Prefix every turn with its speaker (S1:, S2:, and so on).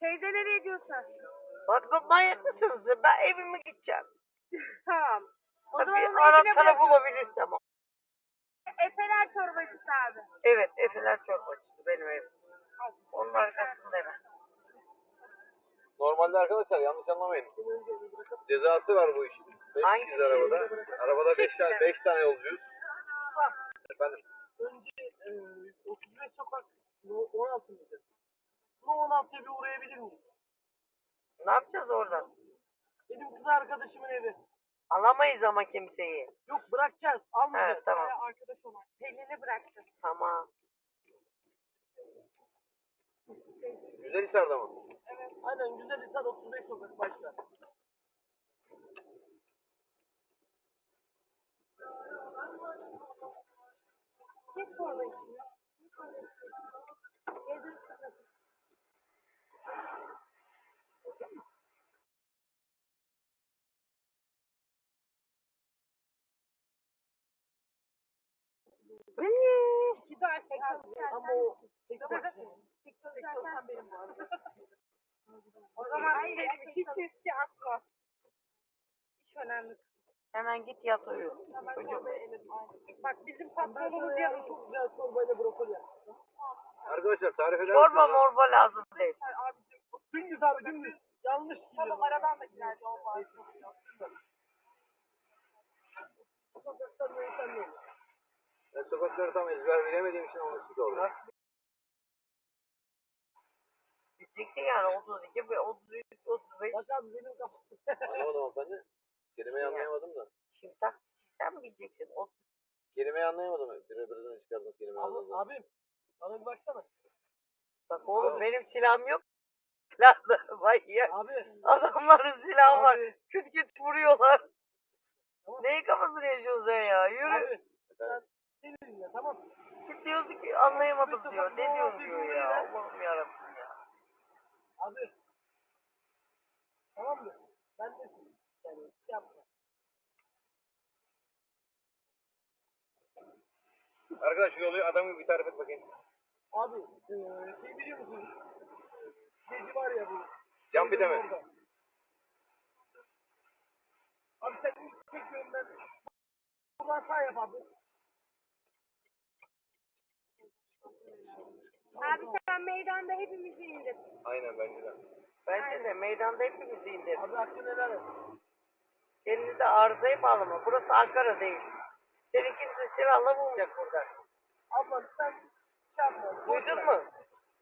S1: Teyze nereye gidiyorsun?
S2: Bak manyak mısınız? Ben evime gideceğim.
S1: Tamam. O zaman
S2: Bir
S1: onu evine
S2: anahtarı
S1: bırakıyorum.
S2: bulabilirsem.
S1: Efeler çorbacısı abi.
S2: Evet, Efeler çorbacısı benim ev. Onun arkasında hemen.
S3: Normalde arkadaşlar yanlış anlamayın. Cezası var bu işin. 5
S2: Hangi
S3: kişiyiz arabada. Arabada 5 tane yolcuyuz. Efendim.
S4: Önce 35 sokak 16 mıydı? Bu 16'ya bir uğrayabilir miyiz?
S2: Ne yapacağız oradan?
S4: Benim kız arkadaşımın evi.
S2: Alamayız ama kimseyi.
S4: Yok bırakacağız, almayacağız.
S2: Evet, tamam.
S4: Arkadaş olan.
S1: Pelin'i bıraktım.
S2: Tamam.
S3: Güzelhisar'da mı?
S4: Aynen Güzelhisar 35 sokak başla.
S1: Git çorba içine. Gezin sıkıntı. İki de aşağı.
S4: Ama o tek
S1: Tek çalışan benim bu arada. O zaman bir şey diyeyim, hiç riske atma. İş önemli.
S2: Hemen git yat uyu. Çocuğum.
S1: Bak bizim patronumuz yanımızda.
S4: çok güzel çorbayla brokoli yaptım.
S3: Arkadaşlar tarif eder
S2: Çorba
S3: misiniz?
S2: morba lazım değil.
S4: Dümdüz abi dümdüz. Yanlış gidiyor. Tamam aradan da gider yol var. Sokaktan böyle sen ne?
S3: Ben sokakları tam ezber bilemediğim için onu size sordum.
S2: Gideceksin yani 32, 33, 35.
S4: Bak abi benim kafam.
S3: Anlamadım hanımefendi. Kelimeyi anlayamadım da.
S2: Şimdi taksi sen mi gideceksin?
S3: Kelimeyi anlayamadım. Birbirinden çıkardığınız kelimeyi anladım.
S4: Abim bana bir baksana.
S2: Bak oğlum benim silahım yok. Silahlı manyak.
S4: Abi.
S2: Adamların silahı var.
S4: Abi.
S2: Küt küt vuruyorlar.
S4: Tamam.
S2: Neyi kafasını yaşıyorsun sen ya? Yürü.
S4: Abi sen beni dinle tamam.
S2: Git diyorsun ki anlayamadım diyor. Ne diyorsun diyor ya. Allah'ım yarabbim ya.
S4: Abi. Tamam mı? Ben de yani şey yapma.
S3: Arkadaş şu yolu adamı bir tarif et bakayım.
S4: Abi şey biliyor musun? Gezi var ya bu.
S3: Can bir de mi?
S4: Orada. Abi sen ilk tek yönden buradan sağ yap abi.
S1: Abi sen meydanda hepimizi indir.
S3: Aynen bence de.
S2: Bence de meydanda hepimizi indir.
S4: Abi hakkını helal et.
S2: Kendini de arızaya bağlama. Burası Ankara değil. Seni kimse silahla bulmayacak burada.
S4: Ablam sen şey yapma.
S2: Duydun mu?